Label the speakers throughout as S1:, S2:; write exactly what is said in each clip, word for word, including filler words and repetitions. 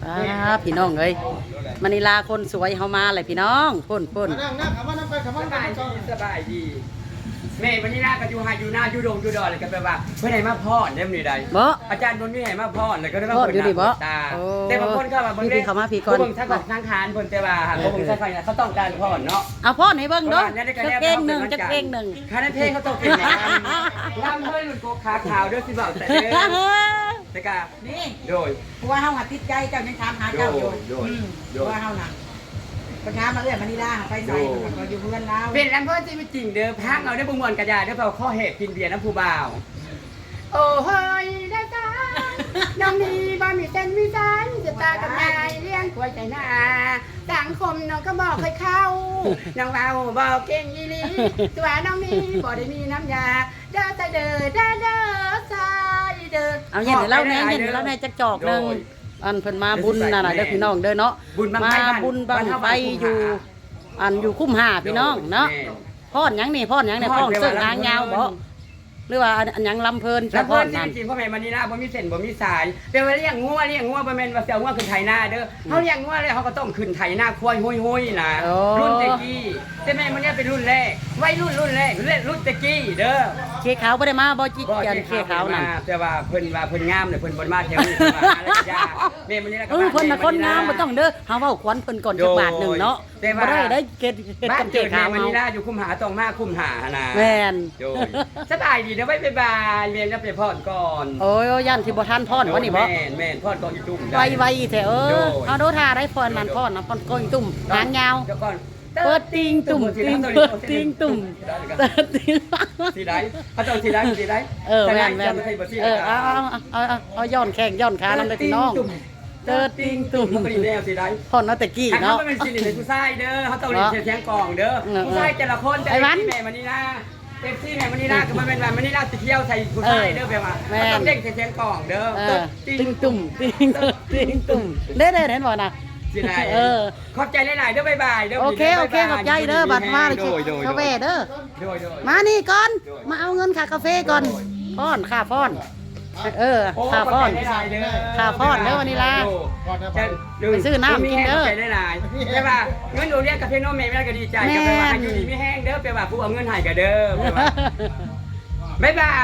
S1: อ่าพี่น้องเอ้ยมณีลาคนสวยเฮามาเลยพี่น้องพุ่นพุ่น
S2: นั่งนั่งคำว่านั่งไปคำว่า
S3: สบายดีสบายดีแม่วันนี้น่าก็อยู่หาอยู่หน้าอยู่ดงอยู่ดอนเลยก็แปลว่าเพื่อนไหนมาพ่อเล่มนี้ใด
S1: บ่
S3: อาจารย์บนนี้ไหนมาพ่อเลยก็ได้มา
S1: พ่ออยู่ดิบ่
S3: ตา
S1: โอ้
S3: แต่บางคนเข้ามาเบิ่ง
S1: พี่เข้ามาพี่ก่อน
S3: เบิ่งทั้งของทางคานเพิ่นแต่ว่าหากเบิ่งทั้งไฟเขาต้องการพ่อเนาะ
S1: เอาพ่อให้เบิ่งเด้อจักเก้งหนึ่งจักเก้งหนึ่ง
S3: คานั้นเพลงเขาต้องเป็นอย่างนั้นล่ำเฮ้ยมันโกขาขาวเด้อสิบ่าวแต่เด้อแต่กะ
S4: นี่
S3: โดย
S4: เพราะว่าเฮาหัดติดใจเจ้ายังถามหาเจ้าอยู่
S3: โดย
S4: อืม
S3: โด
S4: เพ
S3: ย
S4: ราะว่าเฮาน่ะปัญหามาเอื้อนมานี่ล่าไปใส่เราอยู่เพื่อนเรา
S3: เป็นลำเพิ่นที่ไม่จริงเด้อพักเอาได้บุญมวลกระยาเด้อเปล่าข้อเหตุกินเบียร์น้ำผู้บ่าว โอ้เฮ้ยได้จ้าน้องนี่บ่มีเส้นมีสายจะตากับยายเลี้ยงกล้วยใจหน้าสังคมน้องก็บอกเคยเข้าน้องเราบอกเก่งยี่ลีตัวน้องนี่บ่ได้มีน้ำยาเด้อใจเด้อเด้อเด้อใจเด้อ
S1: เอาเย็นให้เล่าแหน่เย็นให้เล่าแหน่จักจอกหนึงอันเพิ่นมาบุญน่ะน่ะเด้อพี่น้องเด้อเนาะ
S3: บุญบัง
S1: มา
S3: ไฟบ้าน
S1: บุญบังไฟอยู่ อันอยู่คุ้มหาพี่น้องเนาะพอดหยังนี่พอดหยังนี่พอดเสื้องางยาวบ่หรือว่าอันหยังลำเพลิน
S3: แล้
S1: จะ
S3: ว
S1: พ
S3: พ่อ
S1: อด
S3: จ
S1: นั่น
S3: ริงๆพ่อแม่มานีนาบ่มีเส้นบ่มีสายเป็นว่าเลี้ยงงัวเลี้ยงงัวบ่แม่นว่าเสี่ยวงัวขึ้นไถนาเด้อเฮาเลี้ยงงัวแล้วเฮาก็ต้องขึ้นไถนาควายห้อยๆนะรุ่นตะกี้แต่แม่มันเนี่ยเป็นรุ่นแรกวัยรุ่นรุ่นแรกรุ่นตะกี้เด้อ
S1: เคขาวบ่ได้มาบ่จิกกันเคขาวนั่น
S3: แต่ว่าเพิ่นว่าเพิ่นงามเลยเพิ่นบ่มาแถวนี้เพิ่นว่าหาแล้วก็ยากแม่มันนี่แล้ว
S1: เออเพิ่นน่ะคนงามบ่ต้องเด้อเฮาเว้าขวัญเพิ่นก่อนจักบาทหนึงเนาะบ่ได้ได้เกดเกด
S3: บ้า
S1: กัน นเค
S3: เกิด
S1: ขาว
S3: แม่มัน
S1: เฮา
S3: นี่ล่ะอยู่คุมหาต้องมาคุมหานะ
S1: แม่น
S3: โดยสบายดีนะไว้บ๊ายบายเรียนจะไปพอดก่อน
S1: โอ้ยย่านที่บ่ทันพรบ่นี่บ่
S3: แม่นแม่นพอดก่อนอีตุ้ม
S1: ไวไวแท้เออเอาโดท่าได้พรนั่นพรน่ะพรก้อยตุ่มหางยาว
S3: เดี๋ยวก่อน
S1: เปิดติงตุ่มติงเปิดติงตุ่มเปิดติง
S3: สีได้เขาจะเอาสีได้สีได้
S1: เออแม่นแม่นเออเอาเอาเอาเอาย้อนแข้งย้อนขานำได้พี่น้องเติร์ดติงตุ่ม
S3: มันก็ดีแนวสีได้
S1: พรนาตะกี้
S3: ถ้าเขา
S1: เนาะ
S3: ไม่เป็นสีเหลืองผู้ชายเด้อเขาต้องเรียนเสียงกล่องเด้อผู้ชายแต่ละคนแต่ละแม่มันนี่นะเต็มที่แม่มันนี่นะก็มันเป็นแบบมันนี่นะสิเที่ยวใส่ผู้ชายเด้อแปลว่าต้องเด้งเสียงกล่องเด้อ
S1: เออติงตุ่มติงติงตุ่มเด้อเด้อเห็นบ่น่ะ
S3: สิได้
S1: เออ
S3: ขอบใจหลายๆเด้อบ๊ายบายเด้อ
S1: โอเคโอเคขอบใจเด้อบัดมาเลย
S3: โดยโดย
S1: กาแฟเด้อ
S3: โดยโดย
S1: มานี่ก่อนมาเอาเงินค่ากาแฟก่อนป้อนค่าป้อนเออค่าป้อน ค่าป้อนเด้อวันนี้ล่ะ ไปซื้อน้ำกินเด้อ
S3: ขอบใจหลายๆใช่ป่ะเงินโรงเรียนกับเพนโนเมย์แม่ก็ดีใจกับแปลว่าให้อยู่ดีไม่แห้งเด้อแปลว่าผู้เอาเงินให้กับเด้อแปลว่าบ๊ายบาย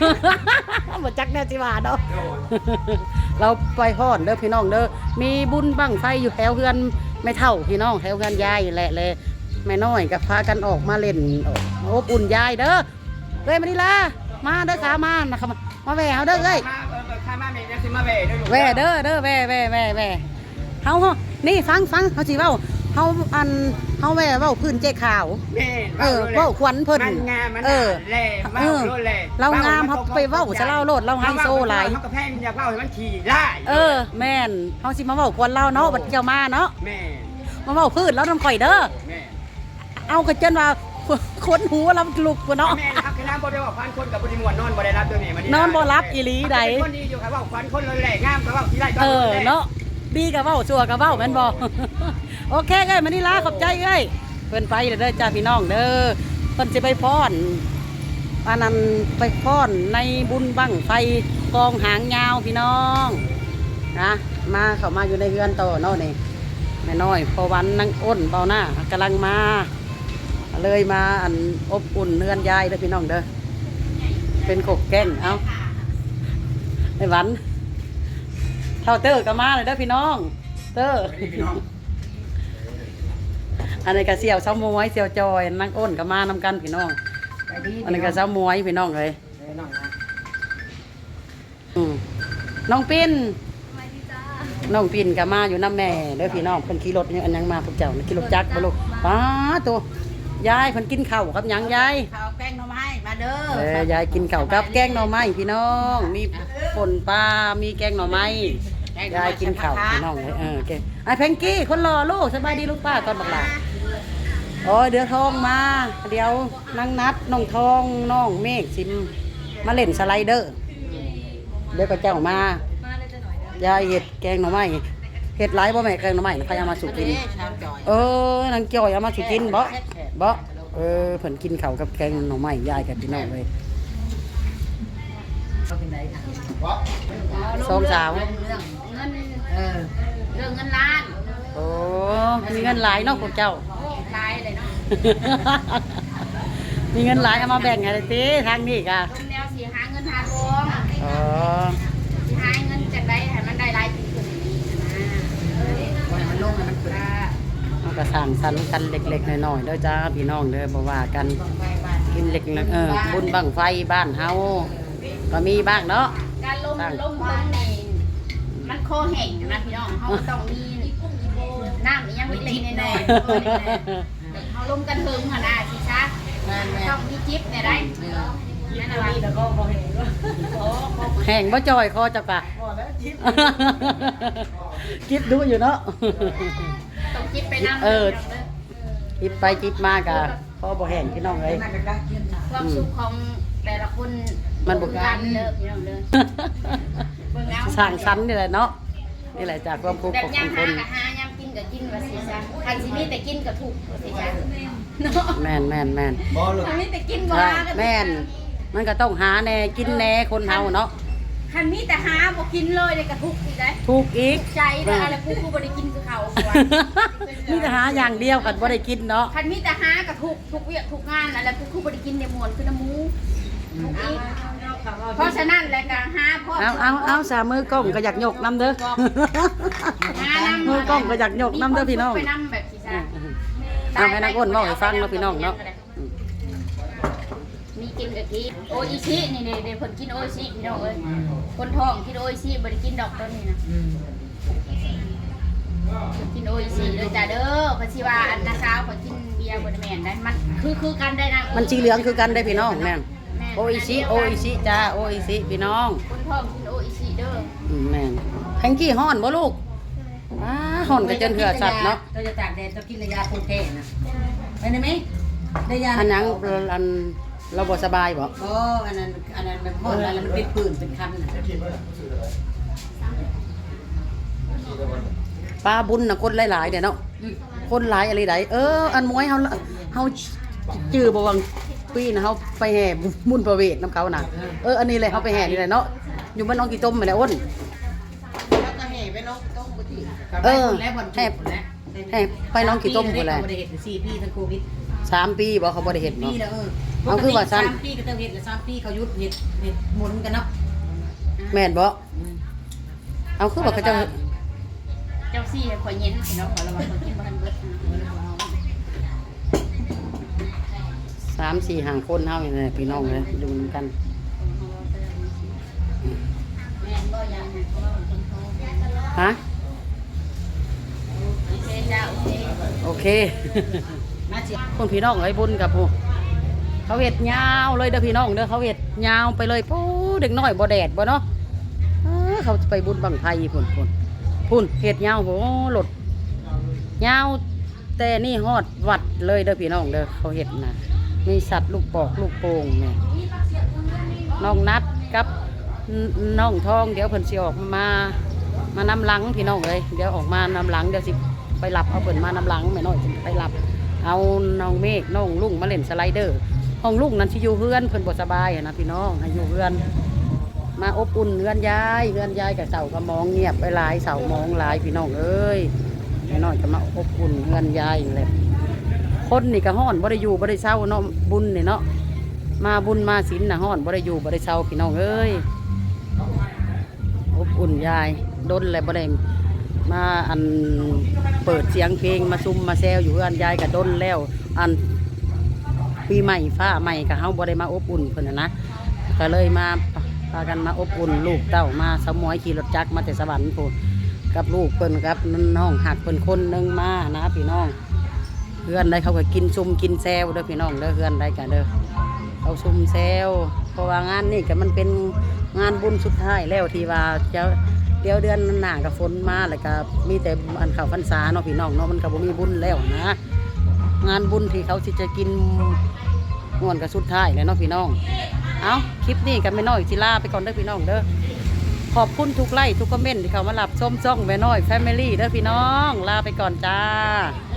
S1: บ่จักแน่สิว่าเนาะเราไปพอดเด้อพี่น้องเด้อมีบุญบั้งไฟอยู่แถวเฮือนไม่เท่าพี่น้องแถวเฮือนยายแหละเลยแม่น้อยก็พากันออกมาเล่นอบอุ่นยายเด้อเอ้ยมานี่ล่ะมาเด้อขามานะครับมาแหวเฮาเด้อเอ้ย
S3: มาเออข้ามาเมย์เนี่ยสิมาเวเด้อลูก
S1: แหวเด้อเด้อแหวแหวแหวแหวเฮาเฮานี่ฟังฟังเฮาสิเว้าเฮาอันเฮาแหวเว้าพื้นเจ๊ขาว
S3: แม่
S1: เออเว้าขวัญเพิ่น
S3: มันงามมัน
S1: เออ
S3: แหล่
S1: เอ
S3: เว้า
S1: อ
S3: โลดแหล่
S1: เรางามเฮาไปเว้าซะเล่าโลดเราไฮโซหลาย
S3: เฮาก็แพงอยากเว้าให้มันขี่ได้
S1: เออแม่นเฮาสิมาเว้าควนเราเนาะบัดเจ้ามาเนาะ
S3: แม่
S1: มาเว้าพืชแล้วนำข่อยเด้อ
S3: แม่
S1: เอากระเจนว่าคนหูเราลุกบ่เนาะ
S3: แม่นะครับคือน้ำบ่ได้ว่าพันคนกับบริมวนนอนบ่ได้รับตัวแม่มัน
S1: นอนบ่รับอีหลีใด
S3: คนดีอยู่ครับว่าพันคนเลยแหล่งามก็ว่าที่ไร
S1: เออเนาะดีก็เว้าชั่วก็เว้าแม่นบ่ โอเคเอ้ยมานี่ลาขอบใจเอ้ยเพิ่นไปเด้อจ้าพี่น้องเด้อเพิ่นสิไปฟ้อนอันนั้นไปฟ้อนในบุญบั้งไฟกองหางยาวพี่น้องนะมาเข้ามาอยู่ในเฮือนโตเนาะนี่แม่น้อยพอวันนางอ้นเบาหน้ากำลังมาเลยมาอันอบอุ่นเฮือนยายเด้อพี่น้องเด้อเป็นขกแก้งเอาไอ้หวันเท่าเตอร์ก็มาเลยเด้อพี่น้องเตอร์อันนี้ก็เสี่ยวเช้ามวยเสี่ยวจอยนางอ้นก็มานำกันพี่น้องอันนี้ก็เช้ามวยพี่น้องเลยอืมน้องปิ้นน้องปิ้นก็มาอยู่น้ำแม่เด้อพี่น้องเพิ่นขี่รถยังอันยังมาพวกเจ้าขี่รถจักรบ่ลูกป้าตัวยายเพิ่นกินข้าวกับหยังยาย
S4: ข้าวแกงหน่อไม้มาเด้อ
S1: เออยายกินข้าวกับแกงหน่อไม้พี่น้องมีป่นปลามีแกงหน่อไม้ยายกินข้าวพี่น้องเลยเออแกไอ้แพงกี้คนรอลูกสบายดีลูกป้าก่อนบักหลาโอ้ยเดี๋ยวทองมาเดี๋ยวนั่งนัดน้องทองน้องเมฆซิมมาเล่นสไลเดอร์เดี๋ยวก็เจ้ามายายเห็ดแกงหน่อไม้เห็ดหลายบ่แม่แกงหน่อไม้ใครเอามาสู่กินเออนางจ้อยเอามาสู่กินบ่บ่เออเพิ่นกินข้าวกับแกงหน่อไม้ยายกับพี่น้องเลยสองสาวเอ
S4: ออ
S2: เรื่องเงินล้าน
S1: โอ้มีเงินหลายเนาะพวกเจ้า
S2: โอ้ร้ายเลยเนาะ
S1: มีเงินหลายเอามาแบ่งให้ติทางนี้ก็
S2: ลงแนวสิหาเงินหาทอง
S1: อ๋อ
S2: สิหาเงินจากใดให้มันได้หลายขึ้นขึ้นนี้นะ
S4: ปล่อยมันลงให้มันขึ้น
S2: ว่า
S1: เอาก็สร้างสรรค์กันเล็กๆน้อยๆเด้อจ้าพี่น้องเด้อบ่ว่ากัน
S4: ไปบ้าน
S1: กินเล็กๆเออบุญบั้งไฟบ้านเฮาก็มีบ้างเนาะ
S2: การลงลงทุนนี่มันคอแห้งนะพี่น้องเขาต้องมีน้ำอีหยังเล็กๆน้อยๆเขาลงกันเทิงหั่นน่ะสิซะ
S4: แม่แม่
S2: ต้องมีจิ๊บเนี่ยได้นั่นน่ะว่า
S4: แล้วก็พอเห็นว่า
S2: โอ้บ่
S1: แห้งบ่จอยคอจักกะ
S4: พอแล้วจิ๊บ
S1: คิดดูอยู่เนาะ
S2: ต้องจิ๊บไปนำ
S1: เออ จิบไปจิบมากะพอบ่แห้งพี่น้องเอ้ย
S4: น่าจะกล้ากินนะ
S2: ความสุขของแต่ละคน
S1: มันบ่
S2: กันเลิกพี่น้องเด้อเบิ่งเอา
S1: สร้างสรรค์นี่แหละเนาะนี่แหละจากความทุกข์
S2: แบบ
S1: ของ
S2: ย่าง
S1: ค
S2: หาน กับหาย่างกินกับกินว่าสิซะคันสิมีแต่กินก็ถูกว่าสิซะเนาะ
S1: แม่นแม่นแม่น
S2: คันมีแต่กินบ่
S1: ใช่
S2: หาก็
S1: แม่นมันก็ต้องหาแน่กินแน่คนเฮาเนาะ
S2: คันมีแต่หาบ่กินเลยเนี่ยก็ทุกข์อีกได้
S1: ถูกอีก
S2: ใจเด้ออะไรกูกูบ่ได้กินคือเขาว่า
S1: มีแต่หาอย่างเดียวกันบ่ได้กินเนาะ
S2: คันมีแต่หาก็ทุกข์ทุกเวียกทุกงานอะไรกูกูบ่ได้กินเนี่ยมวนคือน้ำหมูทุกอีกเพราะฉะนั้นแหละก็หาพ่อ
S1: เอาเอาเอาสามมือกล้องก็อยากยกน้ำเด้อ
S2: หานำ
S1: มือกล้องก็อยากยกน้ำเด้อพี่น้อง
S2: ไปนำแบบสิซะ
S1: เอาให้นักอ้นเว้าให้ฟังเนาะพี่น้องเนาะ
S2: มีกินกับกินโออิชินี่นี่เดี๋ยวเพิ่นกินโออิชิพี่น้องเอ้ยคนท้องกินโออิชิบ่ได้กินดอกต้นนี่นะ
S4: อืม
S2: กินโออิชิเด้อจ้าเด้อเพราะสิว่าอันนาสาวเขากินเบียร์บ่ได้แม่นได้มันคือคือกันได้นะ
S1: มันสีเหลืองคือกันได้อพี่น้องแม่น
S2: แม่น
S1: โออิชิโออิชิจ้าโออิชิพี่น้อง
S2: คนท้องกินโออิชิเด้อ
S1: อืมแม่นแพงกี้ฮ้อนบ่ลูกอ้าฮ้อนก็จนเหือสัตว์เนาะ
S4: เราจะตากแดดจะกินยาคงแก่นะไปได้ไหมได้ยา
S1: อันหยังอันเราบ่สบายบ่
S4: โอ้อันนั้นอันนั้นมันหมดแล้วมันเป็นปืนเป็นคันนะ
S1: ปลาบุญน่ะคนหลายๆเด้อเนาะคนหลายอะไรใดเออ อันมวยเฮาเฮาจื้อบ่วังปีน่ะเฮาไปแห่บุญประเวทนํเขาน่ะเอออันนี้เลยเฮาไปแห่นี่แหละเนาะอยู่บ้านน้องกี่ต้มนี่แหละอ้น
S4: แล้วก็แห่ไปน้องต้มบุตรี
S1: เออ
S4: แล้วบอล
S1: แห่แห่ไปน้องกี่ต้มพุ่นแหละ
S4: บริเหตุสี่ปีทั้งโควิด
S1: สามปีบ่เขาบ่ได้เฮ็ด
S4: ปี
S1: เนาะ
S4: แล้วเออ
S1: เอาคือว่าสั้น
S4: สามปีก็ต้องเฮ็ดแล้วสามปีเขาหยุดเฮ็ดเฮ็ดหมุนกันเนาะ
S1: แม่นบ่เอาคือว่าเขาเจ้า
S2: เจ้าซี่ให้ข่อยเย็นพี่น้องขอระวังข่อยกินบ่ทันเบิดนะ
S1: สามสี่ห้าคนเฮานี่แหละพี่น้องเลยดูนำกัน
S2: แม่นบ่ยังเพราะว่าคนท้อง
S1: ฮะ
S2: โอเคจ้าโอเค
S1: โอเค
S4: มาสิ
S1: คนพี่น้องไอ้บุญกับผู้เขาเห็ดยาวเลยเด้อพี่น้องเด้อเขาเห็ดยาวไปเลยปู้เด็กน้อยบ่แดดบ่เนาะเออเขาจะไปบุญบังไฟพุ่นพุ่นพุ่นเห็ดยาวโหหลดยาวแต่นี่ฮอดวัดเลยเด้อพี่น้องเด้อเขาเห็ดนะมีสัตว์ลูกปอกลูกโป่งเนี่ยน้องนัดกับน้องทองเดี๋ยวเพิ่นสิออกมามานำหลังพี่น้องเลยเดี๋ยวออกมานำหลังเดี๋ยวสิไปหลับเอาเพิ่นมานำหลังแม่น้อยสิไปหลับ เอาน้องเมฆน้องลุงมาเล่นสไลเดอร์ห้องลุงนั้นที่อยู่เพื่อนเพิ่นบ่สบายอะนะพี่น้องให้อยู่เพื่อน มาอบอุ่นเพื่อนยายเพื่อนยายกับเสากระมองเงียบไปหลายเสามองหลายพี่น้องเอ้ยพี่น้องจะมาอบอุ่นเพื่อนยายเลยคนนี่ก็ฮ้อนบ่ได้อยู่บ่ได้เศร้าเนาะบุญนี่เนาะมาบุญมาศีลน่ะฮ้อนบ่ได้อยู่บ่ได้เศร้าพี่น้องเอ้ยอบอุ่นยายดนเลยบ่ได้ มาอันเปิดเสียงเพลงมาซุ่มมาแซวอยู่เพื่อนยายกับดนแล้วอันปีใหม่ฟ้าใหม่กับเฮาบ่ได้มาอบอุ่นเพิ่นน่ะนะก็เลยมาพากันมาอบอุ่นลูกเต้ามาสมอยขี่รถจักรมาแต่สวรรค์พุ่นกับลูกเพิ่นกับน้องหักเพิ่นคนหนึงมานะพี่น้องเพื่อนได้เขาก็กินซุ่มกินแซวเด้อพี่น้องเด้อเพื่อนได้กันเด้อเขาซุ่มแซวเพราะว่างานนี่ก็มันเป็นงานบุญสุดท้ายแล้วที่ว่าจะเดี๋ยวเดือนหน้ากับฝนมาแล้วก็มีแต่อันเข้าพรรษาเนาะพี่น้องเนาะมันก็บ่มีบุญแล้วนะงานบุญที่เขาสิจะกินม่วนกับสุดท้ายเลยเนาะพี่น้องเอาคลิปนี้กันไม่น้อยสิลาไปก่อนเด้อพี่น้องเด้อขอบคุณทุกไลค์ทุกคอมเมนต์ที่เขามารับชมช่องแม่น้อยแฟมิลี่เด้อพี่น้องลาไปก่อนจ้า